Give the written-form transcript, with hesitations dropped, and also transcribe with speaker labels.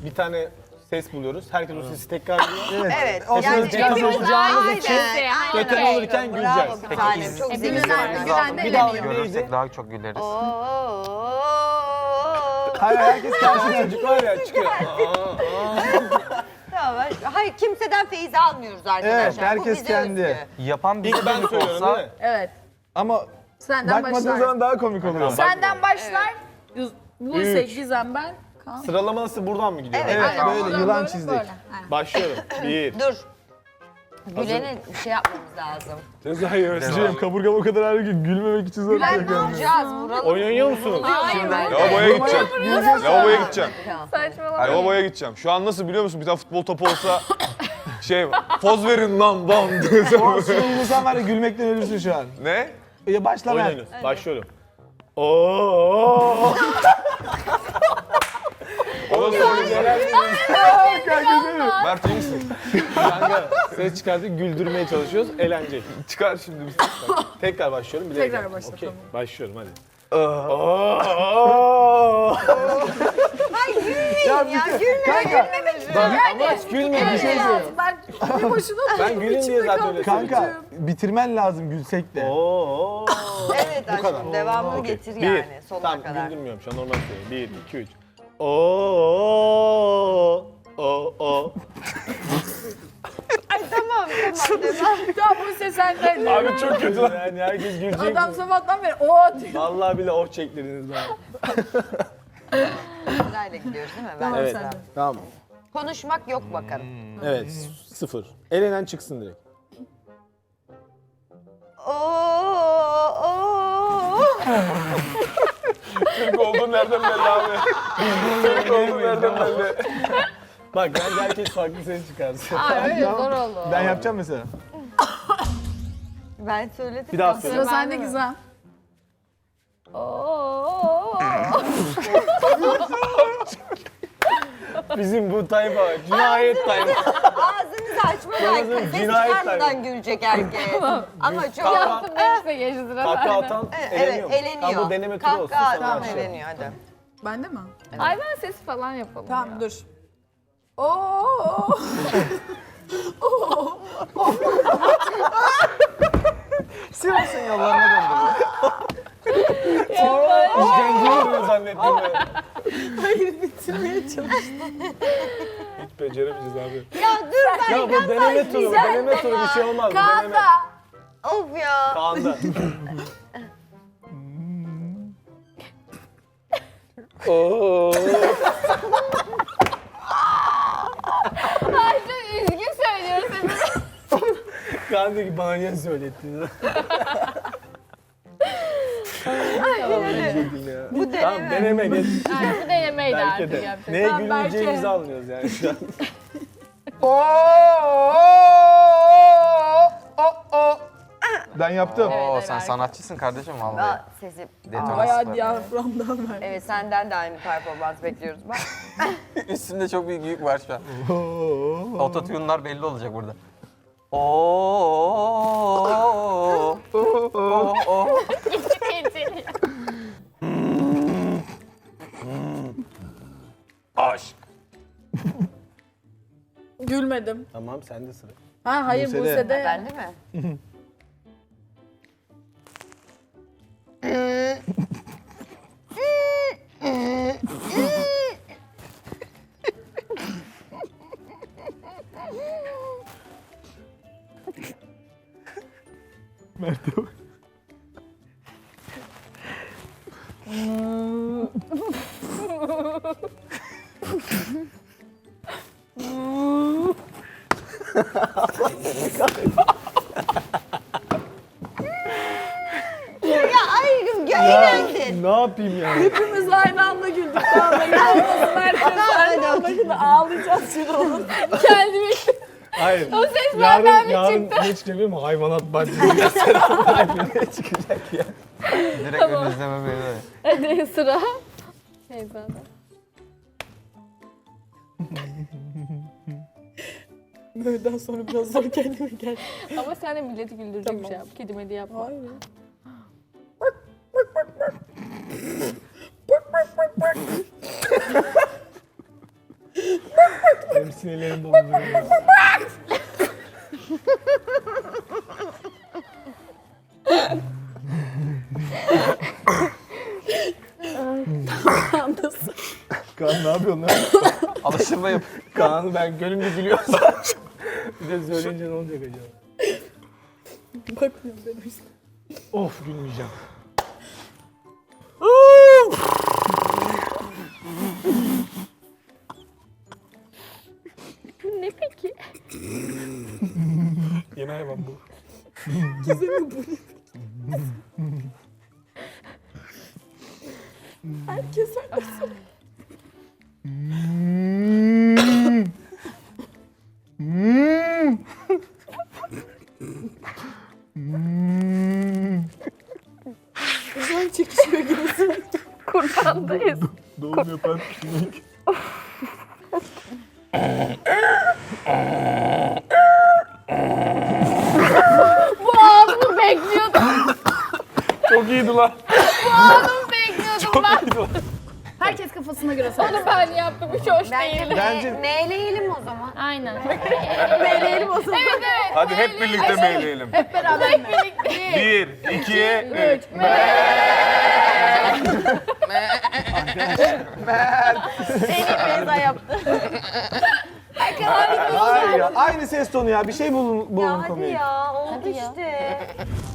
Speaker 1: bir tane ses buluyoruz. Herkes o sesi tekrarlıyor.
Speaker 2: Evet.
Speaker 1: Yani hepimiz
Speaker 2: aynen.
Speaker 1: Kötü olurken
Speaker 2: Bravo
Speaker 1: güleceğiz.
Speaker 2: bir tanem. Çok
Speaker 3: Hepimiz
Speaker 2: zeki.
Speaker 3: aynı
Speaker 1: Bir daha neydi?
Speaker 4: Görürsek daha çok güleriz.
Speaker 1: Hayır herkes kendi çocuk var ya çıkıyor.
Speaker 2: Tamam. Hayır kimseden feyiz almıyoruz arkadaşlar.
Speaker 5: Evet, herkes
Speaker 2: Bu bize
Speaker 5: kendi.
Speaker 2: özgü.
Speaker 4: Yapan bir
Speaker 1: İlk ben söylüyorum değil mi?
Speaker 3: Evet.
Speaker 5: Ama
Speaker 3: Senden
Speaker 5: bakmadığın
Speaker 3: başlar.
Speaker 5: zaman daha komik oluyor.
Speaker 3: Senden başlar. Buse,
Speaker 1: Üç.
Speaker 3: Gizem, ben. Kaan.
Speaker 1: Sıralama nasıl buradan mı gidiyor?
Speaker 2: Evet.
Speaker 5: Evet, böyle
Speaker 3: Buradan
Speaker 5: yılan
Speaker 3: böyle,
Speaker 5: çizdik.
Speaker 3: böyle. Aynen.
Speaker 1: Başlıyorum. 1.
Speaker 2: Dur. Gülen'e bir şey yapmamız lazım.
Speaker 1: Cezayı
Speaker 5: Cem kaburgam o kadar ağrıyor ki gülmemek için zor
Speaker 3: Gülen ne
Speaker 5: yapıyorum.
Speaker 2: Yapacağız. Vuralım.
Speaker 1: Oyun oynuyor musunuz?
Speaker 6: Lavaboya gideceğim. Lavaboya gideceğim.
Speaker 3: Saçmalama.
Speaker 6: Lavaboya gideceğim. Şu an nasıl biliyor musun? Bir tane futbol topu olsa poz verin lan bam diye.
Speaker 5: Sen var ya gülmekten ölürsün şu an.
Speaker 6: Ne?
Speaker 5: Ya başla
Speaker 1: Oyun
Speaker 5: ben.
Speaker 1: oynuyoruz. Başlıyorum. Oo.
Speaker 6: O da söyleyeceğim. Mert iyi misin?
Speaker 1: Kanka ses çıkartıp güldürmeye çalışıyoruz. Eğlenceli.
Speaker 6: Çıkar şimdi.
Speaker 1: Tekrar başlıyorum. Bilerek
Speaker 3: Tekrar
Speaker 1: yaptım.
Speaker 3: başla,
Speaker 1: Okey.
Speaker 3: tamam.
Speaker 1: Başlıyorum hadi.
Speaker 2: Ay gülmeyin ya.
Speaker 5: Kanka,
Speaker 1: Ama gülme bir şey söylüyorum.
Speaker 3: Ben bir boşuna
Speaker 1: Ben gülün diye zaten öyle
Speaker 5: kanka bitirmen lazım gülsek de.
Speaker 1: Oo.
Speaker 2: Evet aşkım devamını getir
Speaker 1: Bir.
Speaker 2: yani sonuna
Speaker 1: Tamam
Speaker 2: kadar.
Speaker 1: güldürmüyorum şu an normal söylüyorum. 1, 2, 3. Oo. Oo.
Speaker 2: Tamam.
Speaker 3: Tamam Buse senden.
Speaker 1: Abi çok kötü lan. Yani herkes gülecek.
Speaker 3: Adam sabahtan beri o diyor.
Speaker 1: Vallahi bile oh çektirdiniz bana.
Speaker 2: Sırayla gidiyoruz değil mi? Ben
Speaker 3: Tamam
Speaker 1: Evet.
Speaker 3: sen de.
Speaker 1: Tamam.
Speaker 2: Konuşmak yok bakalım.
Speaker 1: Evet. 0. Elenen çıksın direkt.
Speaker 6: Türk olduğun nereden belli abi? Türk olduğun nereden belli?
Speaker 1: Bak bence herkes farklı ses çıkarsın.
Speaker 3: Aa öyle zor oldu.
Speaker 5: Ben yapacağım mesela.
Speaker 2: Ben söyledim.
Speaker 1: Bir daha
Speaker 2: ya.
Speaker 1: söyle.
Speaker 3: Sıra sende Gizem.
Speaker 1: Bizim bu tayfa cinayet tayfa.
Speaker 2: Ağzınızı açmadan
Speaker 1: Yalnız
Speaker 2: ses
Speaker 1: cinayet
Speaker 2: çıkarmadan gülecek herkes. Ama çok...
Speaker 1: Kahkaha
Speaker 3: Neyse geçti sıra
Speaker 1: kahkaha
Speaker 3: sende.
Speaker 1: atan
Speaker 2: Evet
Speaker 1: eleniyor.
Speaker 2: eleniyor.
Speaker 1: Tamam bu deneme turu olsun.
Speaker 2: Kahkaha
Speaker 1: Sonra
Speaker 2: atan
Speaker 1: başlayalım.
Speaker 2: eleniyor hadi.
Speaker 3: Bende mi? Hayvan sesi falan yapalım. Tamam
Speaker 2: ya.
Speaker 3: dur. Oo.
Speaker 5: Sivas'ın yollarına döndüm.
Speaker 1: İşkence oluyor zannettim ben.
Speaker 3: Hayır bitirmeye çalıştım.
Speaker 1: Hiç beceremeyeceğiz abi.
Speaker 2: Ya dur ben
Speaker 1: Ya bu deneme turu, deneme turu bir şey olmaz. Bu deneme.
Speaker 3: Kaan'da.
Speaker 2: Of ya.
Speaker 1: Kaan'da. Oo.
Speaker 3: Ay çok üzgün söylüyorsun.
Speaker 1: Kaan diyor ki bana niye söylettiniz?
Speaker 2: Bu
Speaker 1: Tamam deneme geç.
Speaker 3: Yani bu denemeydi
Speaker 1: Belki
Speaker 3: artık
Speaker 1: de.
Speaker 3: yapacak.
Speaker 1: Neye
Speaker 3: Tamam,
Speaker 1: gülmeyeceğimizi
Speaker 3: Berke.
Speaker 1: anlıyoruz yani şu an.
Speaker 5: Ben yaptım.
Speaker 4: Oo
Speaker 3: Evet,
Speaker 4: sen
Speaker 3: evet.
Speaker 4: sanatçısın kardeşim vallahi.
Speaker 2: Aa, sesi.
Speaker 4: Detonası
Speaker 3: Bayağı
Speaker 4: var.
Speaker 3: diyaframdan ver.
Speaker 2: Evet senden de aynı performans bekliyoruz. Bak.
Speaker 4: Üstünde çok büyük yük var şu an. Ototune'lar belli olacak burada. Oo. Aşk.
Speaker 3: Gülmedim.
Speaker 1: Tamam sende sıra.
Speaker 3: Ha hayır
Speaker 5: Buse'de.
Speaker 3: Buse'de.
Speaker 2: Ben değil mi?
Speaker 5: Mert'e bak.
Speaker 2: Ya ayrım eğlendin.
Speaker 1: Ne yapayım yani?
Speaker 3: Hepimiz aynı anda güldük. Tamam ben ağlasın herkes aynı anda şimdi ağlayacağız şimdi onu. Kendimi
Speaker 1: Hayır.
Speaker 3: o ses benden mi
Speaker 1: Yarın
Speaker 3: çıktı?
Speaker 1: geç geleyim mi? Hayvanat bahçesi gösteren ne çıkacak ya?
Speaker 4: Direkt ön izleme böyle.
Speaker 3: Hadi sıra. Neyse hadi. Böyleden sonra biraz zor kendime gel.
Speaker 7: Ama sen de milleti güldürecek bir şey yap. Kedi medi yapma.
Speaker 3: Hayır.
Speaker 1: Benim sinirlerim bozuluyor.
Speaker 5: Kaan ne yapıyorsun lan?
Speaker 4: Alıştırma yap.
Speaker 1: Kaan'ı ben gönlümde gülüyorsam. Bir de söyleyince ne olacak acaba?
Speaker 3: Bakmıyorum ben o yüzden.
Speaker 1: Of gülmeyeceğim.
Speaker 7: Bu ne peki?
Speaker 1: Yeni hayvan bu.
Speaker 3: Herkes öyle. Uzay çekişiyor gibi.
Speaker 7: Kurbandayız.
Speaker 5: Doğum yapan sinek.
Speaker 7: Bu anımı bekliyordum.
Speaker 1: Çok iyiydi lan.
Speaker 7: Anımı bekliyordum ben.
Speaker 3: Herkes kafasına göre söylesin.
Speaker 7: Onu ben yaptım. Hiç hoş değil.
Speaker 5: Bence-
Speaker 2: Meyleyelim o zaman.
Speaker 7: Aynen.
Speaker 3: Meyleyelim o zaman.
Speaker 7: Evet evet.
Speaker 6: Hadi hep birlikte meyleyelim.
Speaker 3: Hep beraber mi?
Speaker 6: 1, 2, 3.
Speaker 3: Beyza yaptı.
Speaker 5: Hayır ya. Aynı ses tonu ya. Bir şey bulun
Speaker 2: Ya hadi
Speaker 5: konuyu.
Speaker 2: ya oldu işte.